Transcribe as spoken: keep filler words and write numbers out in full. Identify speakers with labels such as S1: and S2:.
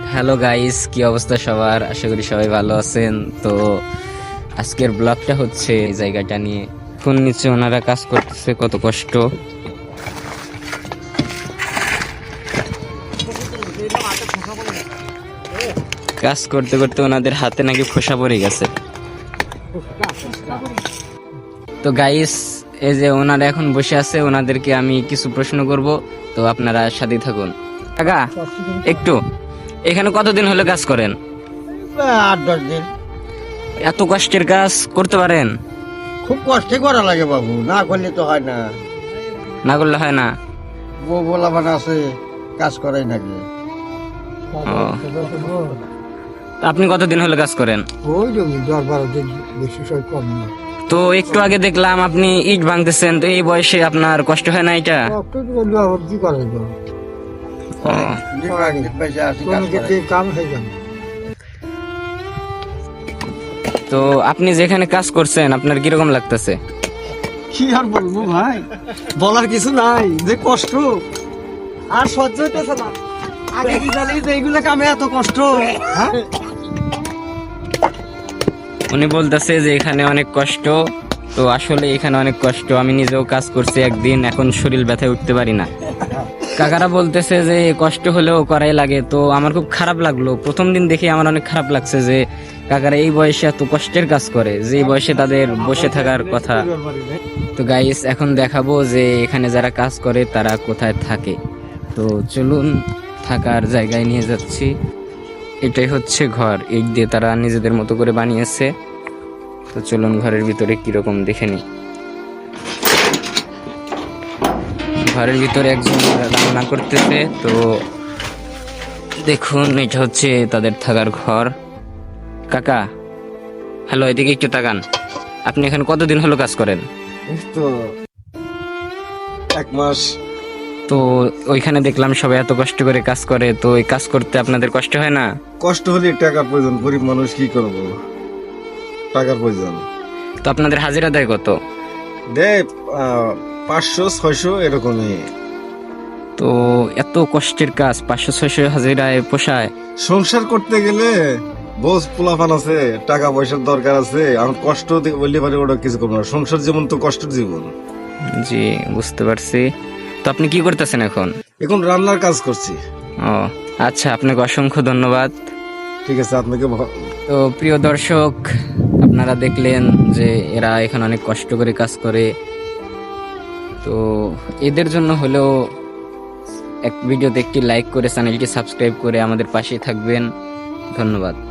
S1: Hello guys, কি অবস্থা সবার? আশা করি সবাই ভালো আছেন। তো আজকের ব্লগটা হচ্ছে এই জায়গাটা নিয়ে। এখন নিচে ওনারা কাজ করতেছে, কত কষ্ট। কাজ করতে করতে ওনাদের হাতে নাকি ফোসা পড়ে গেছে। তো গাইস, এই যে ওনারা এখন বসে আছে, ওনাদেরকে আমি কিছু প্রশ্ন করব, তো আপনারা সাথে থাকুন। কাকা একটু, এখানে কতদিন হলো কাজ করেন?
S2: আট দশ দিন।
S1: এত কষ্টের কাজ করতে পারেন?
S2: খুব কষ্টে করা লাগে বাবু, না করলে তো হয় না।
S1: না করলে হয় না।
S2: বউ বলা মানে আছে, কাজ করাই নাকি।
S1: ও, আপনি কতদিন হলো কাজ করেন?
S2: ওই জমি দশ বারো দিন, বেশি সব কম না।
S1: তো একটু আগে দেখলাম আপনি ইট ভাঙতেছেন, তো এই বয়সে আপনার কষ্ট হয় না এটা?
S2: কি করা যাবে,
S1: ও,
S2: কাম হয়ে যাবে।
S1: তো আপনি যেখানে কাজ করছেন আপনার কিরকম লাগতেছে?
S2: কি আর বলবো ভাই, বলার কিছু নাই, যে কষ্ট আর সহ্য হইতেছে না। আগে কি জানি যে এইগুলো কামে এত কষ্ট? হ্যাঁ,
S1: উনি বলতেছে যে এখানে অনেক কষ্ট। তো আসলে এখানে অনেক কষ্ট, আমি নিজেও কাজ করছি একদিন, এখন শরীর ব্যথায় উঠতে পারি না। কাকারা বলতেছে যে কষ্ট হলেও করাই লাগে। তো আমার খুব খারাপ লাগলো, প্রথম দিন দেখে আমার অনেক খারাপ লাগছে যে কাকারা এই বয়সে এত কষ্টের কাজ করে, যে এই বয়সে তাদের বসে থাকার কথা। তো গাইস, এখন দেখাবো যে এখানে যারা কাজ করে তারা কোথায় থাকে। তো চলুন, থাকার জায়গায় নিয়ে যাচ্ছি। এটাই হচ্ছে ঘর, ইট দিয়ে তারা নিজেদের মতো করে বানিয়েছে। তো চলুন ঘরের ভিতরে কিরকম দেখে নি। ঘরের ভিতরে একজন রান্না করতেছে। তো দেখুন, এটা হচ্ছে তাদের থাকার ঘর। কাকা হ্যালো, এদিকে একটু তাকান। আপনি এখানে কতদিন হলো কাজ করেন?
S2: তো এক মাস।
S1: তো ওইখানে দেখলাম সবাই এত কষ্ট করে কাজ করে, তো এই কাজ করতে আপনাদের কষ্ট হয় না?
S2: কষ্ট হলে টাকার প্রয়োজন, গরিব মানুষ কি করবো, টাকার প্রয়োজন।
S1: তো আপনাদের হাজিরা দেয় কত?
S2: দে পাঁচশো ছয়শো এরকমই।
S1: তো এত কষ্টের কাজ পাঁচশো ছয়শো হাজিরায় পোষায়?
S2: সংসার করতে গেলে বোঝ পোলাপান আছে, টাকা পয়সার দরকার আছে। আমার কষ্ট বললে পারে ওটা কিছু করবো না, সংসার জীবন তো কষ্টের জীবন।
S1: জি, বুঝতে পারছি। তো আপনি কি করতেছেন এখন?
S2: এখন রান্নার কাজ করছি।
S1: ও আচ্ছা, আপনাকে অসংখ্য ধন্যবাদ।
S2: ঠিক আছে, আপনাকে ভ-
S1: তো প্রিয় দর্শক, আপনারা দেখলেন যে এরা এখানে অনেক কষ্ট করে কাজ করে। তো এদের জন্য হলেও এক ভিডিওতে একটি লাইক করে চ্যানেলটি সাবস্ক্রাইব করে আমাদের পাশে থাকবেন। ধন্যবাদ।